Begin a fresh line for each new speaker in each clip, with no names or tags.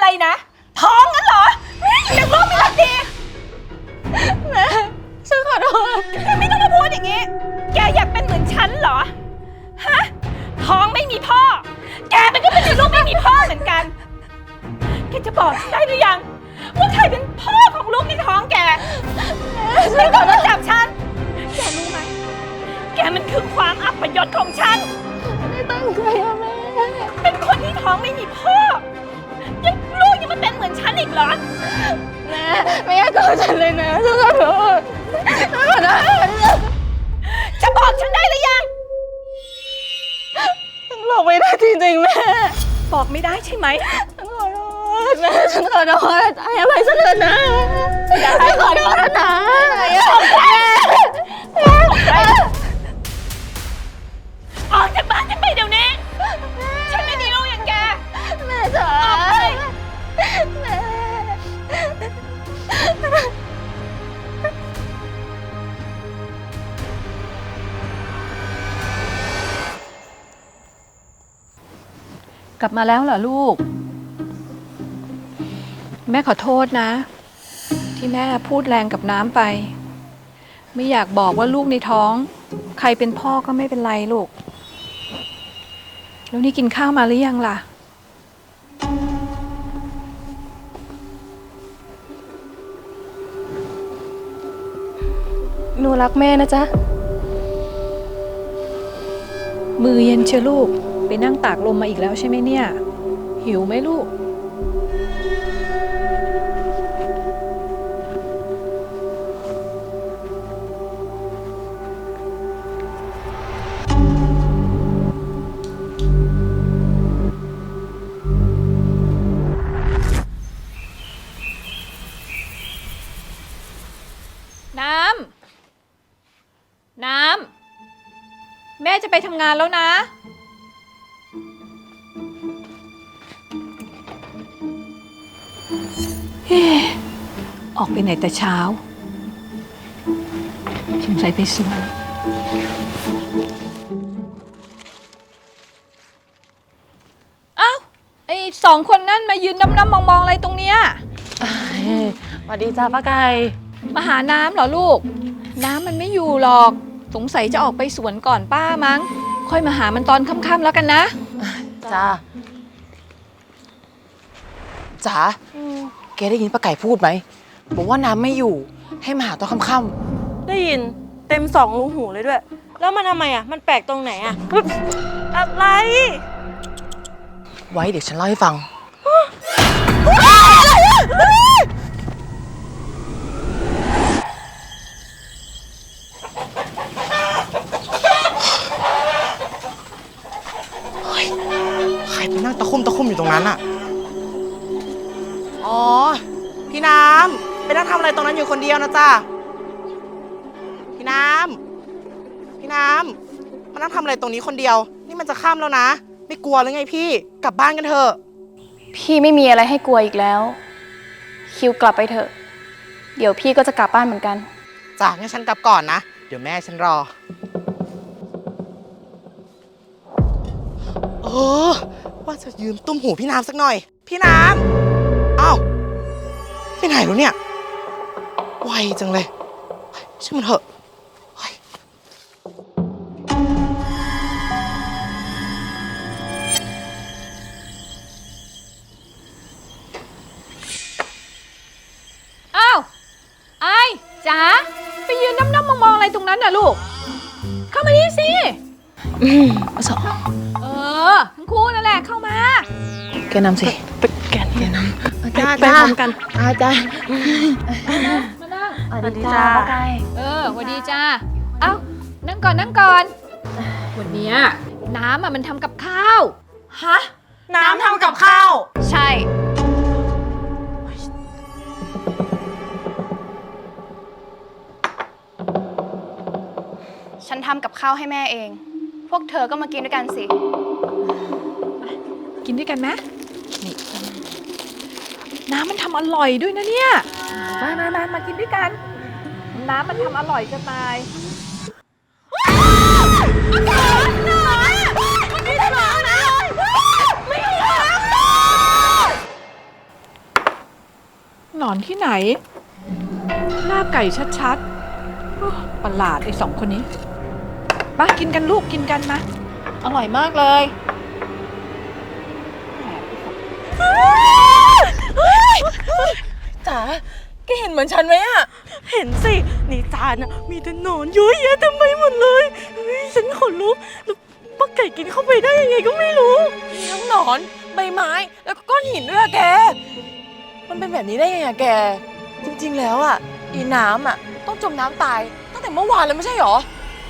นะท้องงั้นเหรอยังลูกไม่รักดีแม่ฉันขอโทษไม่ต้องมาพูดอย่างนี้แกอยากเป็นเหมือนฉันเหรอฮะท้องไม่มีพ่อแกมันก็เป็นลูกไม่มีพ่อเหมือนกันแกจะบอกฉันได้หรือยังว่าใครเป็นพ่อของลูกในท้องแกไม่ต้องมาจับฉันแกรู้ไหมแกมันคือความอัปยศของฉันไม่ตั้งใจอะแม่เป็นคนที่ท้องไม่มีพ่อยังลูกยังมาเป็นเหมือนฉันอีกเหรอแม่ไม่อยากโกรธฉันเลยนะฉันขอโทษฉันขอโทษจะบอกฉันได้หรือยังฉันบอกไม่ได้จริงๆแม่บอกไม่ได้ใช่ไหมฉันขอโทษแม่ฉันขอโทษให้อภัยฉันเถอะนะฉันขอโทษนะออกจากบ้านฉันไปเดี๋ยวนี้ฉันไม่มีลูกอย่างแกแม่จ๋าแม่
กลับมาแล้วเหรอลูกแม่ขอโทษนะที่แม่พูดแรงกับน้ำไปไม่อยากบอกว่าลูกในท้องใครเป็นพ่อก็ไม่เป็นไรลูกแล้วนี่กินข้าวมาหรือยังล่ะ
หนูรักแม่นะจ๊ะ
มือเย็นเชียวลูกไปนั่งตากลมมาอีกแล้วใช่ไหมเนี่ยหิวไหมลูกน้ำแม่จะไปทำงานแล้วนะออกไปไหนแต่เช้าสงสัยไปสวนอ้าวไอ้สองคนนั่นมายืนน้ำมองอะไรตรงเนี้ย
สวัสดีจ้าป้าไก่
มาหาน้ำเหรอลูกน้ำมันไม่อยู่หรอกสงสัยจะออกไปสวนก่อนป้ามั้งค่อยมาหามันตอนค่ำๆแล้วกันนะ
จ้าจ๋าแกได้ยินป้าไก่พูดไหมบอกว่าน้ำไม่อยู่ให้มาหาตอนค่ำ
ได้ยินเต็ม2 รูหูเลยด้วย แล้วมันทำไมอ่ะมันแปลกตรงไหนอ่ะอะไร
ไว้เดี๋ยวฉันเล่าให้ฟังใครไปนั่งตะคุ่มอยู่ตรงนั้นอ่ะอ๋อพี่น้ำไปนั่งทำอะไรตรงนั้นอยู่คนเดียวนะจ๊ะพี่น้ำมานั่งทำอะไรตรงนี้คนเดียวนี่มันจะค่ำแล้วนะไม่กลัวหรือไงพี่กลับบ้านกันเถอะ
พี่ไม่มีอะไรให้กลัวอีกแล้วคิวกลับไปเถอะเดี๋ยวพี่ก็จะกลับบ้านเหมือนกัน
จ้ะงั้นฉันกลับก่อนนะเดี๋ยวแม่ฉันรอว่าจะยืมตุ้มหูพี่น้ำสักหน่อยพี่น้ำอ้าวไปไหนแล้วเนี่ยไวจังเลยช่างมันเถอะ
อ้าวไอ้จ๋าไปยืนน้ำมองอะไรตรงนั้นน่ะลูกเข้ามานี่สิ
สอง
ทั้งคู่นั่นแหละเข้ามา
แกนำสิแกนำไปพร้อมกันจ้า
มานั่ง
สวัสดีจ้าป้าไก่
สวัสดีจ้าเอ้านั่งก่อนวันนี้น้ำมันทำกับข้าว
ฮะน้ำทำกับข้าว
ใช่
ฉันทำกับข้าวให้แม่เองพวกเธอก็มากินด้วยกันสิ
กินด้วยกันไหมนี่น้ำมันทำอร่อยด้วยนะเนี่ยมากินด้วยกันน้ำมันทำอร่อยจะตายหนอนที่ไหน หน้าไก่ชัดๆโอ้ประหลาดไอ้สองคนนี้ มากินกันลูกกินกันมา อร่อยมากเลย
จ๋าแกเห็นเหมือนฉันไหมอะเห็นสิในจานอะมีแต่หนอนเยอะแยะเต็มไปหมดเลยเฮ้ยฉันขนลุกแล้วป้าไก่กินเข้าไปได้ยังไงก็ไม่รู้มีทั้งหนอนใบไม้แล้วก็ก้อนหินด้วยอะแก มันเป็นแบบนี้ได้ยังไงอะแก จริงๆแล้วอะอีน้ำอะต้องจมน้ำตายตั้งแต่เมื่อวานแล้วไม่ใช่หรอ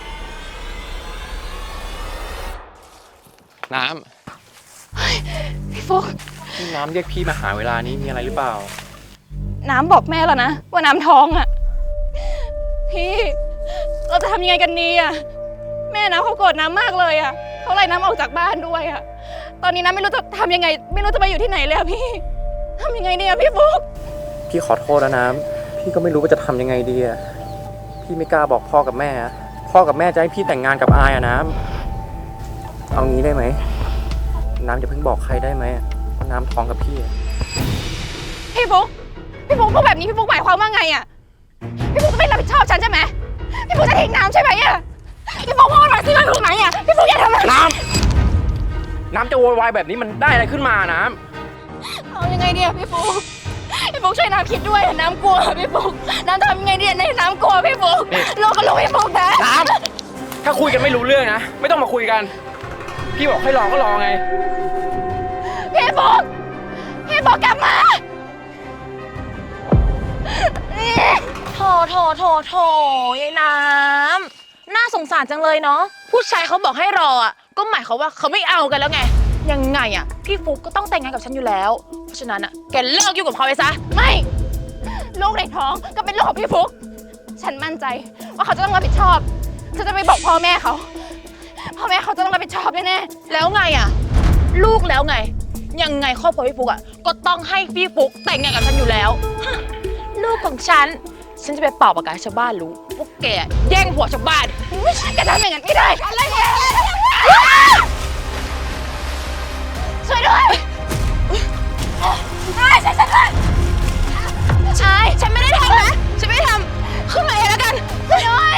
น้
พี่ฟุก
ำพี่น้ำเรียกพี่มาหาเวลานี้มีอะไรหรือเปล่า
น้ำบอกแม่แล้วนะว่าน้ำท้องอ่ะ พี่เราจะทำยังไงกันดีอ่ะ แม่น้ำเขาโกรธน้ำมากเลยอ่ะเขาไล่น้ำออกจากบ้านด้วยอ่ะ ตอนนี้น้ำไม่รู้จะทำยังไง ไม่รู้จะไปอยู่ที่ไหนเลยอะพี่ทำยังไงดีอะพี่ฟุก
พี่ขอโทษนะน้ำพี่ก็ไม่รู้ว่าจะทำยังไงดีอะพี่ไม่กล้าบอกพ่อกับแม่อะพ่อกับแม่จะให้พี่แต่งงานกับอายอะน้ำเอางี้ได้ไหมน้ำอย่าเพิ่งบอกใครได้ไหมว่าน้ำท้องกับพี่อะ
พี่ฟุกพูดแบบนี้พี่ฟุกหมายความว่าไงอะพี่ฟุกจะไม่รับผิดชอบฉันใช่ไหมพี่ฟุกจะทิ้งน้ำใช่ไหมอะพี่ฟุกพูดมาสิว่าถูกไหมอะพี่ฟุกอย่าทำแบบนี้
น้ำจะโวยวายแบบนี้มันได้อะไรขึ้นมาน้
เอายังไงดีอะพี่ฟุกช่วยน้ำคิดด้วยน้ำกลัวพี่ฟุกน้ำทำยังไงดีในน้ำกลัวพี่ฟุกเราก็รู้พี่ฟุกนะ
ำน้ำถ้าคุยกันไม่รู้เรื่องนะไม่ต้องมาคุยกัน พี่บอกให้รอก็รอไง
พี่ฟุกกลับมา
โถยายน้ำน่าสงสารจังเลยเนาะผู้ชายเขาบอกให้รออ่ะก็หมายความว่าเขาไม่เอากันแล้วไงยังไงอ่ะพี่ฟุกก็ต้องแต่งงานกับฉันอยู่แล้วเพราะฉะนั้นอ่ะแกเลิกยุ่งกับเขาไปซะ
ไม่ลูกในท้องก็เป็นลูกของพี่ฟุกฉันมั่นใจว่าเขาจะต้องรับผิดชอบฉันจะไปบอกพ่อแม่เขาจะต้องรับผิดชอบแน่
แล้วไงอ่ะลูกแล้วไงยังไงครอบครัวพี่ฟุกอ่ะก็ต้องให้พี่ฟุกแต่งงานกับฉันอยู่แล้วฮะลูกของฉันจะไปเป่าประกาศให้ชาวบ้านรู้พวกแกแย่งผัวชาวบ้าน
ๆแกทำอย่างนั้นไม่ได้อะไรเนี่ยช่วยด้วยช่วยฉันด้วย
ใช่ฉันไม่ได้ทำนะฉันไม่ได้ทำขึ้นมาเองแล้วกัน
ช่วยด้วย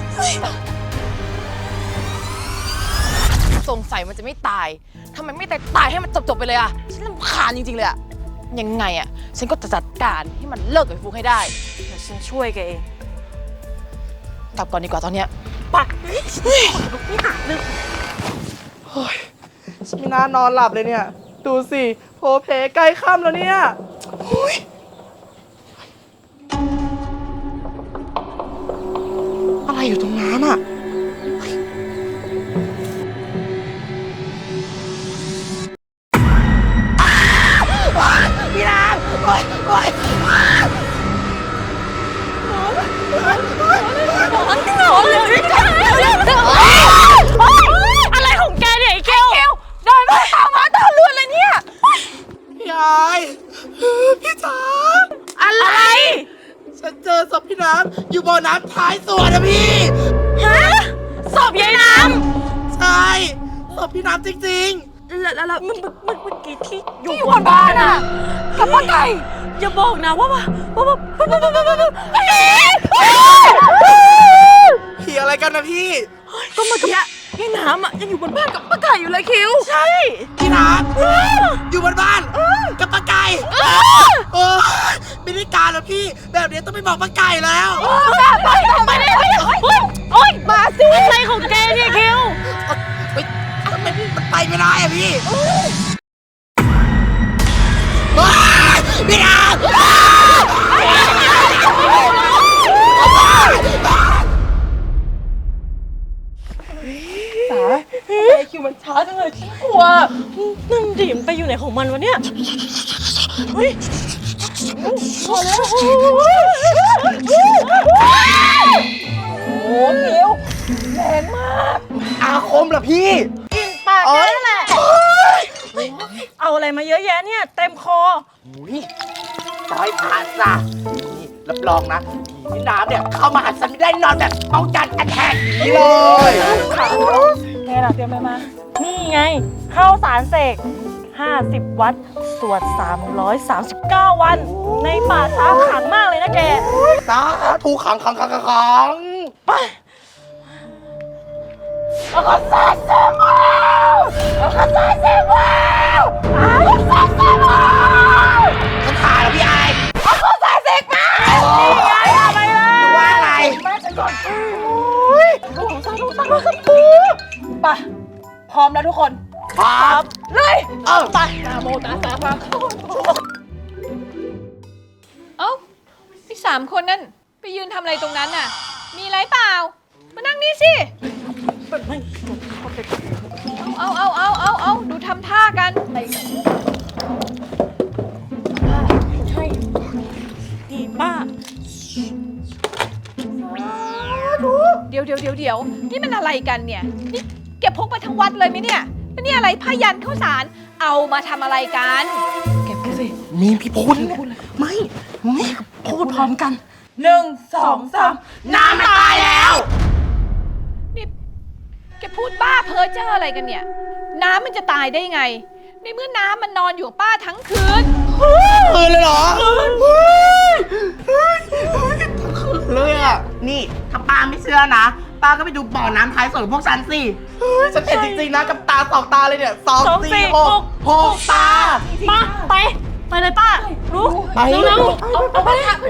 สงสัยมันจะไม่ตายทำไมไม่ตายให้มันจบไปเลยอะฉันรำคาญจริงๆเลยอะยังไงอะฉันก็จะจัดการให้มันเลิกกับไอ้ฟุกให้ได้เดี๋ยวฉันช่วยแกเองกลับก่อนดีกว่าตอนเนี้ยไป
ฉันไม่น่านอนหลับเลยเนี่ย ดูสิโพเพใกล้ค่ำแล้วเนี่ยโอ้ยอะไรอยู่ตรงนั้นอ่ะเฮ้ยพี่นางโอ๊ย
อะไรของแกเนี่ยไอ้เกลเดินมาตามมาตามเรือนเลยเนี่ย
พี่อายพี่จ๋า
อะไร
ฉันเจอศพพี่น้ำอยู่บ่อน้ำท้ายสวนนะพี่
ฮะศพยายน้
ใช่ศพพี่น้ำจริง
ำแล้วเมื่อกี้ที่อยู่บนบ้านอะกับป้าไก่อย่าบอกนะว่า
ๆผีอะไรกันนะพี่
ก็เมื่อกี้ยายน้ำอะยังอยู่บนบ้านกับป้าไก่อยู่เลยคิวใช่
พี่น้ำอยู่บนบ้านกับป้าไก่โอ้ยไม่ได้การแล้วพี่ แบบนี้ต้องไปบอกป้าไก่แล้ว
ไปเลยโอ๊ยมาสิอะไรของแกเนี่ยคิว
เฮ้ยทำไมมันไปไม่ได้อะพี่ว้ายพี่น้ำคิวมันช้าจังเลยฉันกลัว
นั่นดิมนไปอยู่ไหนของมันวะเนี่ยเฮ้ยพอแล้วโอ้คิวแรงมาก
อาคมเหรอพี่
กินปากแกนั่นแหละเอาอะไรมาเยอะแยะเนี่ยเต็มคอ
อุ้ยร้อยผ่านซะนี่รับรองนะผีพี่น้ำเนี่ยเข้ามาหาฉันไม่ได้นอนแบบป้องกันแอทแทกอย่างนี้เลย
แกน่ะเตรียมอะไรมา นี่ไงข้าวสารเสก 50 วัด สวด 339 วัน ในป่าช้าขลังมากเลยนะแก
สาธุขังไปฉันถ่ายแล้วพี่ไอเอาข้อสารเสกมานี่ไงอะไรล่ะว่าอะไรมาฉันก่อน
ไป พร้อมแล้วทุกคน
ครับ
เลย
ไป
เอ้าไอ้3 คนนั่นไปยืนทำอะไรตรงนั้นน่ะ มีอะไรเปล่า มานั่งนี่สิ เอาดูทำท่ากัน
นี่ป้า
เดี๋ยวนี่มันอะไรกันเนี่ย นี่เก็บพกไปทั้งวัดเลยไหมเนี่ยแล้วนี่อะไรผ้ายันข้าวสาร เอามาทำอะไรกัน
มีพี่พูดไม่พูดพร้อมกัน
1 2 3
น้ำมันตายแล้ว
นี่แกพูดบ้าเพ้อเจ้ออะไรกันเนี่ย น้ำมันจะตายได้ไง ในเมื่อน้ำมันนอนอยู่กับป้าทั้งคืน
คืนเลยเหรอเลยอ่ะ นี่ถ้าป้าไม่เชื่อนะ ป้าก็ไปดูบ่อน้ำท้ายสวนของพวกฉันสิฉันเห็นจริงๆนะกับตา2 ตาเลยเนี่ย2 4 6 6 ตา
ป้าไปเลยป้า รู้
ไป
เร็ว
เอาไปค่ะ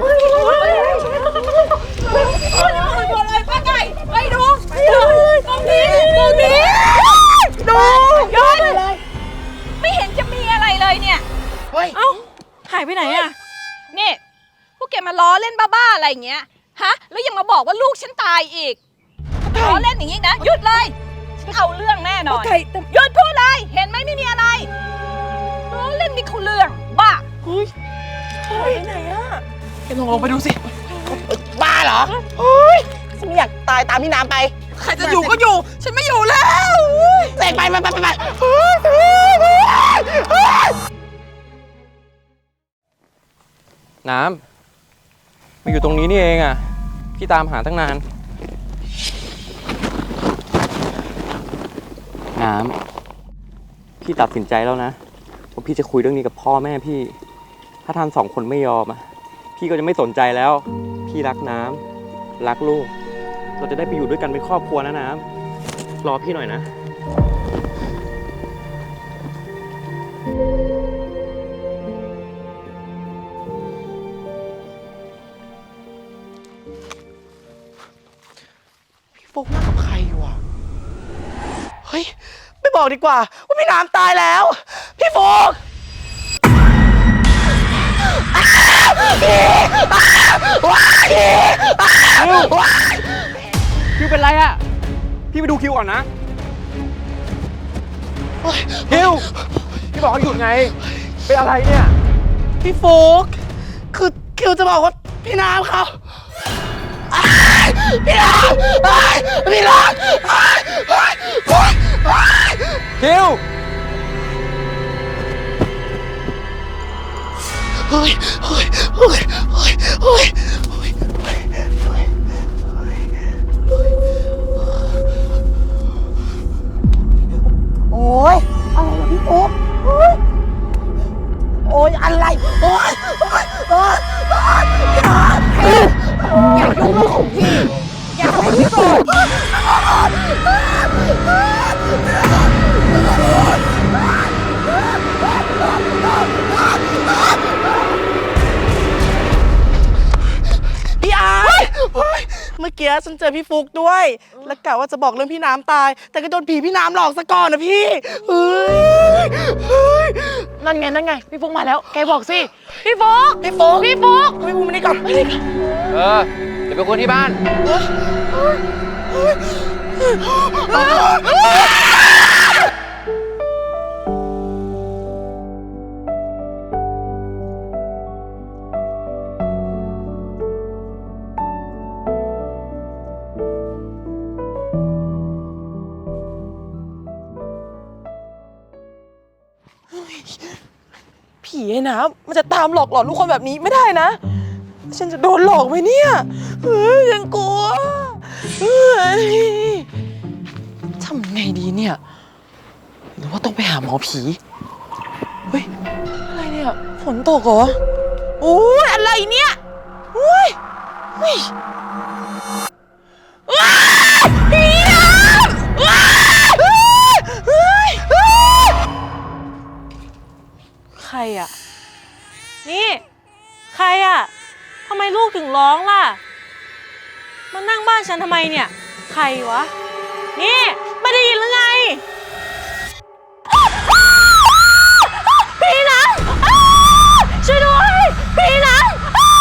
อะไรป้าไก่ไปดูตรงนี้ดูยอดเลยไม่เห็นจะมีอะไรเลยเนี่ย
เฮ้ย
เอ้า หายไปไหนอะ
นี่พวกแกมาล้อเล่นบ้าๆอะไรอย่างเงี้ยฮะแล้วยังมาบอกว่าลูกฉันตายอีกล้อเล่นอย่างงี้นะหยุดเลยฉันเอาเรื่องแน่นอนหยุดพูดเลยเห็นไหมไม่มีอะไรล้อเล่นนี่เขาเรื่องบ้า
หายไปไหนอะ
แกลองไปดูสิ บ้าเหรอเฮ้ยฉันไม่อยากตายตามพี่น้ำไป ใครจะอยู่ก็อยู่ ฉันไม่อยู่แล้วเสกไป
น้ำมาอยู่ตรงนี้นี่เองอ่ะ พี่ตามหาตั้งนาน น้ำพี่ตัดสินใจแล้วนะว่าพี่จะคุยเรื่องนี้กับพ่อแม่พี่ ถ้าท่าน2 คนไม่ยอมอ่ะ พี่ก็จะไม่สนใจแล้ว พี่รักน้ำรักลูก เราจะได้ไปอยู่ด้วยกันเป็นครอบครัวนะน้ำรอพี่หน่อยนะ
พี่โฟกนั่งกับใครอยู่อ่ะ เฮ้ย ไม่บอกดีกว่า ว่าพี่น้ำตายแล้ว พี่โฟก
คิวเป็นไรอะพี่ไปดูคิวก่อนนะ คิว พี่บอกให้หยุดไง เป็นอะไรเนี่ย
พี่โฟกคือคิวจะบอกว่าพี่น้ำเขาพี่น้ำพี่น้ำ
คิว
เฮ้ยโอ้ยอะไรวะพี่โอ๊คโอ้ยอะไรโอ้ยอย่ายุ่งเรื่องของพี่อย่าทำให้พี่โกรธพี่อาร์เมื่อกี้ฉันเจอพี่ฟุกด้วย แล้วกะว่าจะบอกเรื่องพี่น้ำตาย แต่ก็โดนผีพี่น้ำหลอกซะก่อนนะพี่เฮ้ย
นั่นไง พี่ฟุกมาแล้ว แกบอกสิ พี่ฟุก
พี่ฟุกมานี่ก่อน
เดี๋ยวไปคุยที่บ้าน
ผีไอ้น้ำมันจะตามหลอกหลอนทุกคนแบบนี้ไม่ได้นะ ฉันจะโดนหลอกไหมเนี่ยฉันกลัวทำไงดีเนี่ย หรือว่าต้องไปหาหมอผีเฮ้ย อะไรเนี่ย ฝนตกเหรอโอ้ยอะไรเนี่ยโอ้ยเฮ้ยว้ายผีน้ำว้ายเฮ้ยเฮ้ยใครอ่ะ นี่ ใครอ่ะทำไมลูกถึงร้องล่ะ มานั่งบ้านฉันทำไมเนี่ย ใครวะ นี่ ไม่ได้ยินหรือไงผีหนังช่วยด้วยผีหนัง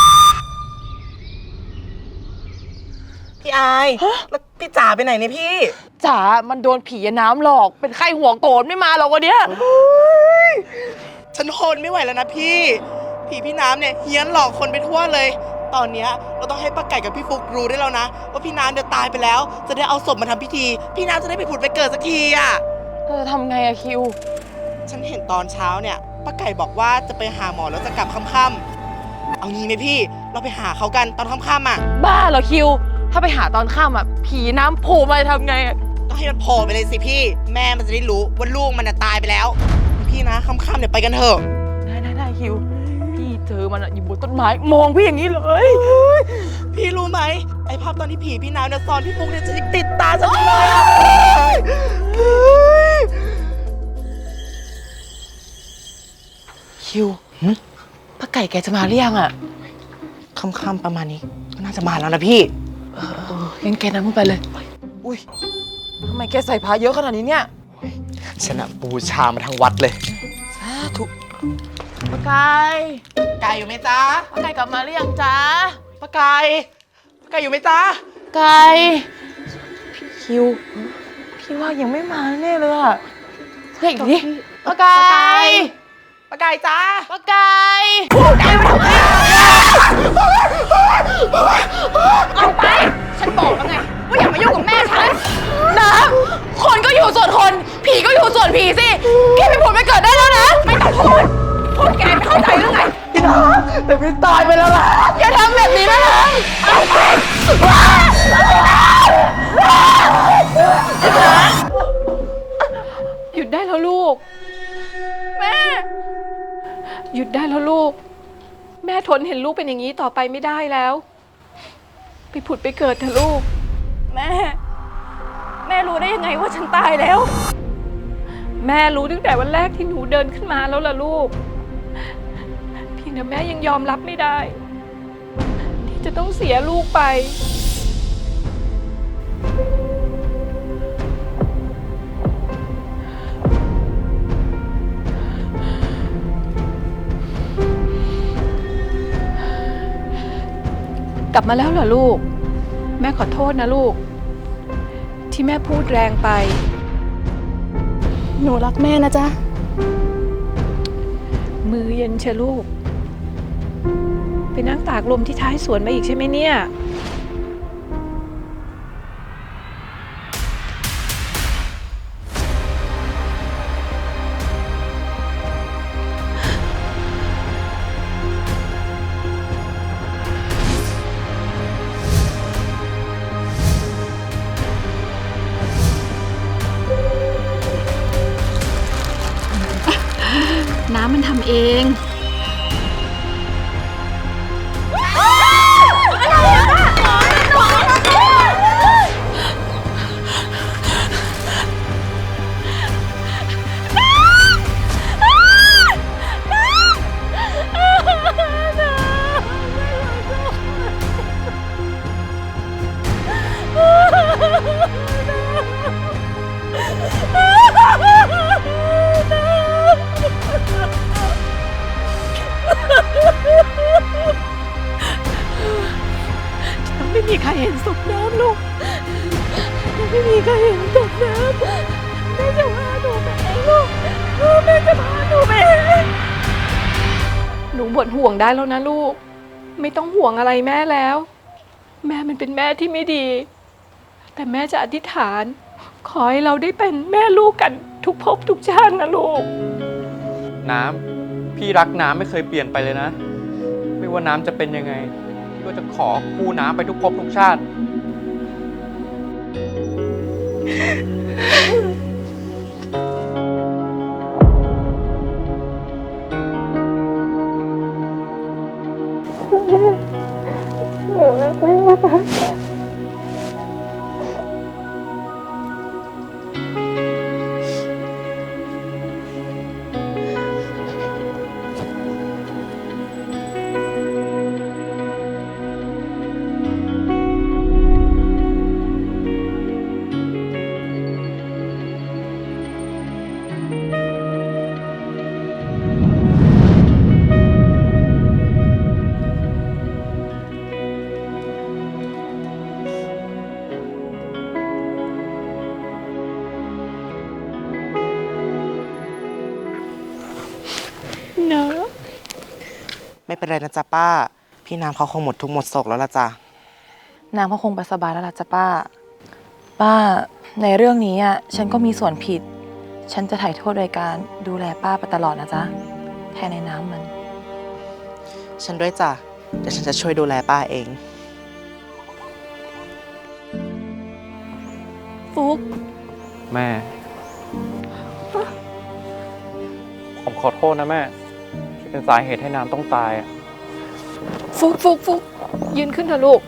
พี่อายแล้วพี่จ๋าไปไหนเนี่ยพี่
จ๋ามันโดนผีน้ำหลอก เป็นไข้หัวโกรธไม่มาหรอกวันเนี้ย
ฉันทนไม่ไหวแล้วนะพี่ ผีพี่น้ำเนี่ยเฮี้ยนหลอกคนไปทั่วเลย ตอนเนี้ยเราต้องให้ป้าไก่กับพี่ฟุกรู้ได้แล้วนะว่าพี่น้ำเนี่ยตายไปแล้ว จะได้เอาศพมาทำพิธี พี่น้ำจะได้ไปผุดไปเกิดสักทีอ่ะ
ทำไงอะคิว
ฉันเห็นตอนเช้าเนี่ยป้าไก่บอกว่าจะไปหาหมอแล้วจะกลับค่ำๆเอางี้ไหมพี่ เราไปหาเขากันตอนค่ำๆอ่ะ
บ้าเหรอคิว ถ้าไปหาตอนค่ำอะผีน้ำโผล่มาจะทำไงอะ
ต้องให้มันโผล่ไปเลยสิพี่ แม่มันจะได้รู้ว่าลูกมันน่ะตายไปแล้ว พี่นะค่ำๆเนี่ยไปกันเถอะ
ได้คิว พี่เจอมันอะอยู่บนต้นไม้มองพี่อย่างนี้เลย
พี่รู้ไหมไอภาพตอนที่ผีพี่น้ำเนี่ยซ้อนพี่ฟุกเนี่ยจะติดตาฉันเลยอะ
คิวป้าไก่แกจะมาหรือยังอะ
ค่ำๆประมาณนี้ก็น่าจะมาแล้วนะพี่
งั้นแกนั่งขึ้นไปเลย อุ้ยทำไมแกใส่ผ้าเยอะขนาดนี้เนี่ย
ฉันอะบูชามาทั้งวัดเลย
สาธุป้าไก่
ไก่อยู่ไหมจ๊ะ
ป้าไก่กลับมาหรือยังจ๊ะ
ป้าไก่ป้าไก่อยู่ไหมจ๊ะ
ไก่พี่คิว พี่ว่ายังไม่มาแน่เลยอะเรียกอีกดิป้าไก่
ป้าไก่จ้า
ป้าไก่
เอาไป ฉันบอกแล้วไงว่าอย่ามายุ่งกับแม่ฉัน
น้ำคนก็อยู่ส่วนคน ผีก็อยู่ส่วนผีสิแกไปผุดไปเกิดได้แล้วนะ
ไม่ต้องพูด พูดแกไม่เข้าใจหรือไง
พี่น้ำแต่พี่ตายไปแล้วล่ะ
อย่าทำแบบนี้นะน้
หยุดได้แล้วลูก แม่ หยุดได้แล้วลูก แม่ทนเห็นลูกเป็นอย่างนี้ต่อไปไม่ได้แล้ว ไปผุดไปเกิดเถอะลูก
แม่ แม่รู้ได้ยังไงว่าฉันตายแล้ว
แม่รู้ตั้งแต่วันแรกที่หนูเดินขึ้นมาแล้วล่ะลูกเพียงแต่แม่ยังยอมรับไม่ได้ ที่จะต้องเสียลูกไป กลับมาแล้วเหรอลูก แม่ขอโทษนะลูก ที่แม่พูดแรงไป
หนูรักแม่นะจ๊ะ
มือเย็นเชยวลูก ไปนั่งตากลมที่ท้ายสวนมาอีกใช่ไหมเนี่ย น้ำมันทำเอง ไม่มีใครเห็นศพน้ำลูกยังไม่มีใครเห็นศพน้ำแม่จะพาหนูไปเองลูกแม่จะพาหนูไปเองหนูหมดห่วงได้แล้วนะลูก ไม่ต้องห่วงอะไรแม่แล้ว แม่มันเป็นแม่ที่ไม่ดี แต่แม่จะอธิษฐาน ขอให้เราได้เป็นแม่ลูกกันทุกภพทุกชาตินะลูก
น้ำพี่รักน้ำไม่เคยเปลี่ยนไปเลยนะ ไม่ว่าน้ำจะเป็นยังไงพี่ก็จะขอคู่น้ำไปทุกภพทุกชาติ
ไม่เป็นไรนะจ๊ะป้า พี่น้ำเขาคงหมดทุกข์หมดโศกแล้วล่ะจ้ะ
น้ำก็คงไปสบายแล้วล่ะจ้ะป้า ป้าในเรื่องนี้อ่ะฉันก็มีส่วนผิด ฉันจะไถ่โทษโดยการดูแลป้าไปตลอดนะจ๊ะแทนในน้ำมัน
ฉันด้วยจ้ะ เดี๋ยวฉันจะช่วยดูแลป้าเอง
ฟุก
แม่ ผมขอโทษนะแม่ ที่เป็นสาเหตุให้น้ำต้องตายอะ
ฟุกยืนขึ้นเถอะลูก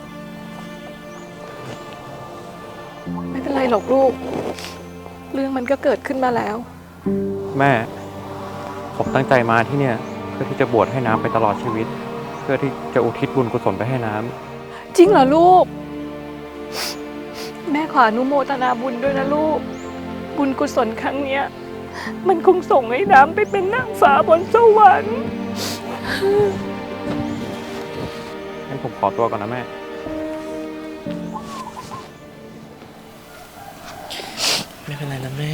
ไม่เป็นไรหรอกลูก เรื่องมันก็เกิดขึ้นมาแล้ว
แม่ ผมตั้งใจมาที่เนี่ย เพื่อที่จะบวชให้น้ำไปตลอดชีวิต เพื่อที่จะอุทิศบุญกุศลไปให้น้ำ
จริงเหรอลูก แม่ขออนุโมทนาบุญด้วยนะลูก บุญกุศลครั้งเนี้ย มันคงส่งให้น้ำไปเป็นนางฟ้าบนสวรรค์
งั้นผมขอตัวก่อนนะแม่
ไม่เป็นไรนะแม่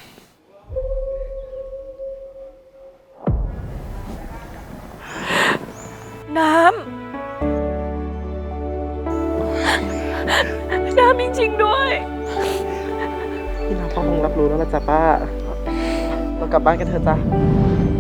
น้ำจริงๆด้วย
พี่น้ำเขาคงรับรู้แล้วล่ะจ้ะป้า เรากลับบ้านกันเถอะจ้ะ